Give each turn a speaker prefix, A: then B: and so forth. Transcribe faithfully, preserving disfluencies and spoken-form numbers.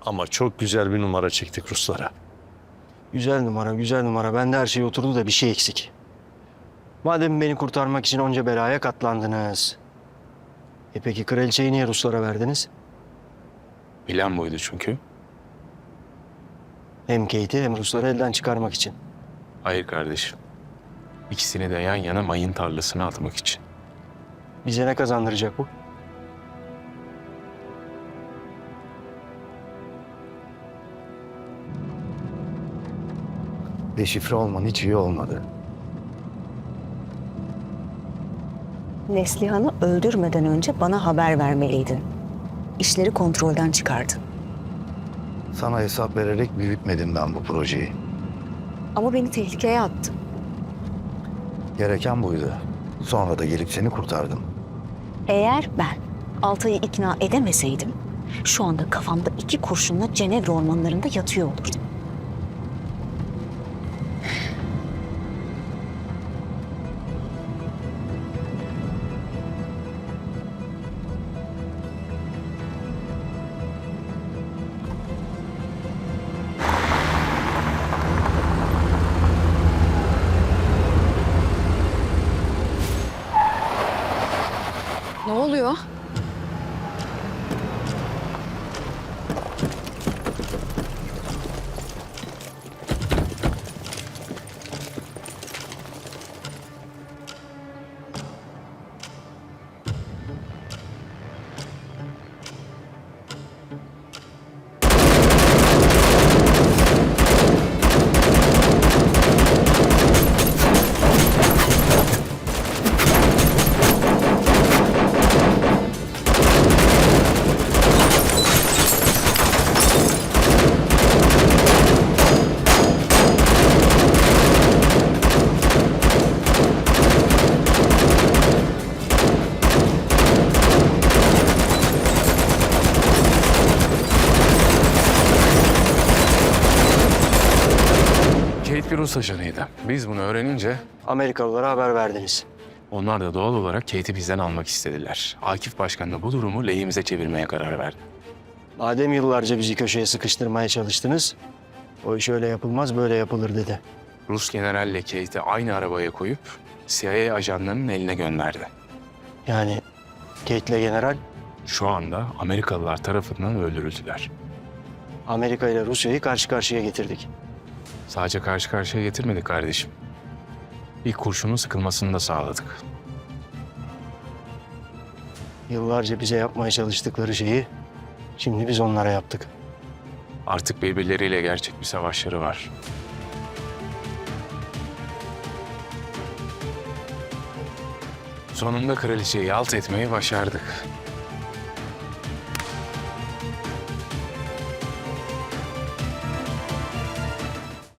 A: Ama çok güzel bir numara çektik Ruslara.
B: Güzel numara, güzel numara. Bende her şey oturdu da bir şey eksik. Madem beni kurtarmak için onca belaya katlandınız. E peki kraliçeyi niye Ruslara verdiniz?
C: Plan buydu çünkü.
B: Hem Kate'i hem Rusları elden çıkarmak için.
C: Hayır kardeşim. İkisini de yan yana mayın tarlasına atmak için.
B: Bize ne kazandıracak bu?
D: Deşifre olman hiç iyi olmadı.
E: Neslihan'ı öldürmeden önce bana haber vermeliydin. İşleri kontrolden çıkardın.
D: Sana hesap vererek büyütmedim ben bu projeyi.
E: Ama beni tehlikeye attın.
D: Gereken buydu. Sonra da gelip seni kurtardım.
E: Eğer ben Altay'ı ikna edemeseydim, şu anda kafamda iki kurşunla Cenevre ormanlarında yatıyor olurdum.
F: Ne oluyor?
C: Kate bir Rus ajanıydı. Biz bunu öğrenince
B: Amerikalılara haber verdiniz.
C: onlar da doğal olarak Kate'i bizden almak istediler. Akif Başkan da bu durumu lehimize çevirmeye karar verdi.
B: Madem yıllarca bizi köşeye sıkıştırmaya çalıştınız, o iş öyle yapılmaz böyle yapılır dedi.
C: Rus generalle Kate'i aynı arabaya koyup C I A ajanlarının eline gönderdi.
B: Yani Kate'le general
C: Şu anda Amerikalılar tarafından öldürüldüler.
B: Amerika ile Rusya'yı karşı karşıya getirdik.
C: Sadece karşı karşıya getirmedik kardeşim. İlk kurşunun sıkılmasını da sağladık.
B: Yıllarca bize yapmaya çalıştıkları şeyi şimdi biz onlara yaptık.
C: Artık birbirleriyle gerçek bir savaşları var. Sonunda kraliçeyi alt etmeyi başardık.